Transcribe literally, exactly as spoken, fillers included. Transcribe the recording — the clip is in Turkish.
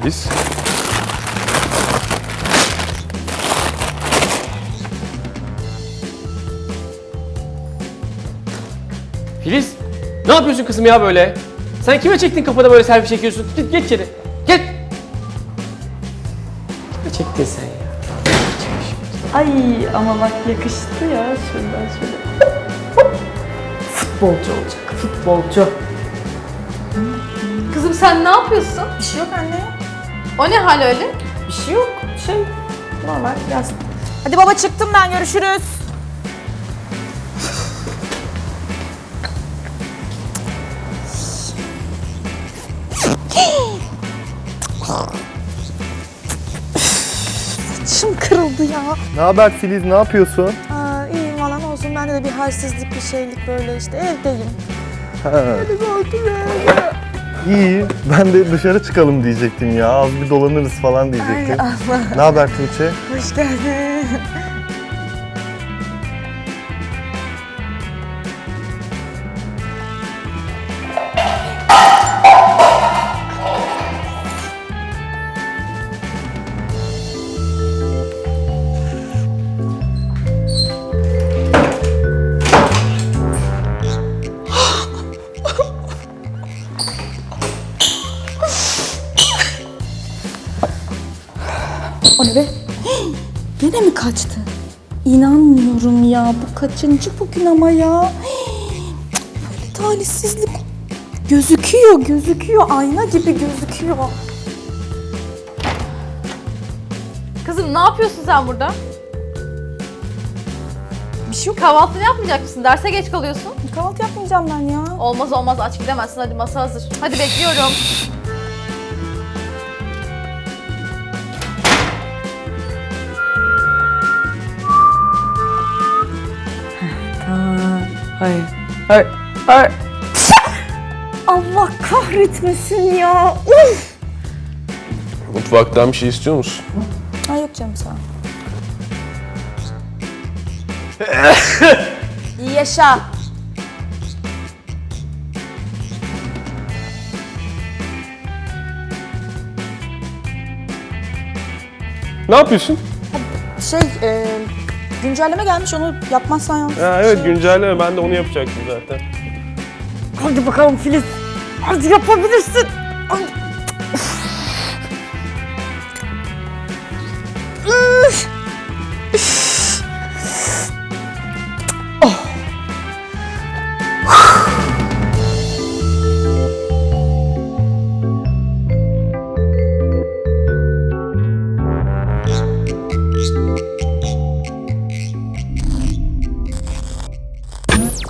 Filiz. Filiz, ne yapıyorsun kızım ya böyle? Sen kime çektin kapıda böyle selfie çekiyorsun? Git geç içeri. Git. Ne çektin sen ya? Ay ama bak yakıştı ya şuradan şöyle. Futbolcu olacak, futbolcu. Kızım sen ne yapıyorsun? Bir şey yok anne. O ne hal öyle? Bir şey yok. Şey normal biraz. Hadi baba çıktım ben, görüşürüz. Saçım kırıldı ya. Ne haber Filiz, ne yapıyorsun? Aa, iyiyim valla, ne olsun, bende de bir halsizlik, bir şeylik böyle işte evdeyim. Ha, Hadi kalktım ya. iyi. Ben de dışarı çıkalım diyecektim ya. Az bir dolanırız falan diyecektim. Ay Allah. Ne haber Tuğçe? Hoş geldin. O ne be? Gene mi kaçtı? İnanmıyorum ya. Bu kaçıncı bugün ama ya? Böyle talihsizlik. Gözüküyor, gözüküyor. Ayna gibi gözüküyor. Kızım ne yapıyorsun sen burada? Bir şey yok. Kahvaltını yapmayacak mısın? Derse geç kalıyorsun. Kahvaltı yapmayacağım ben ya. Olmaz olmaz aç gidemezsin. Hadi masa hazır. Hadi bekliyorum. Hayır. Hayır. Hayır. Allah kahretmesin ya. Uf. Mutfaktan bir şey istiyor musun? Ay yok canım, sağ ol. İyi yaşa. Ne yapıyorsun? Şey, e, güncelleme gelmiş, onu yapmazsan yalnız. Ha, evet güncelleme, ben de onu yapacaktım zaten. Hadi bakalım Filiz. Hadi yapabilirsin. Hadi. Üf. Üf. Oh.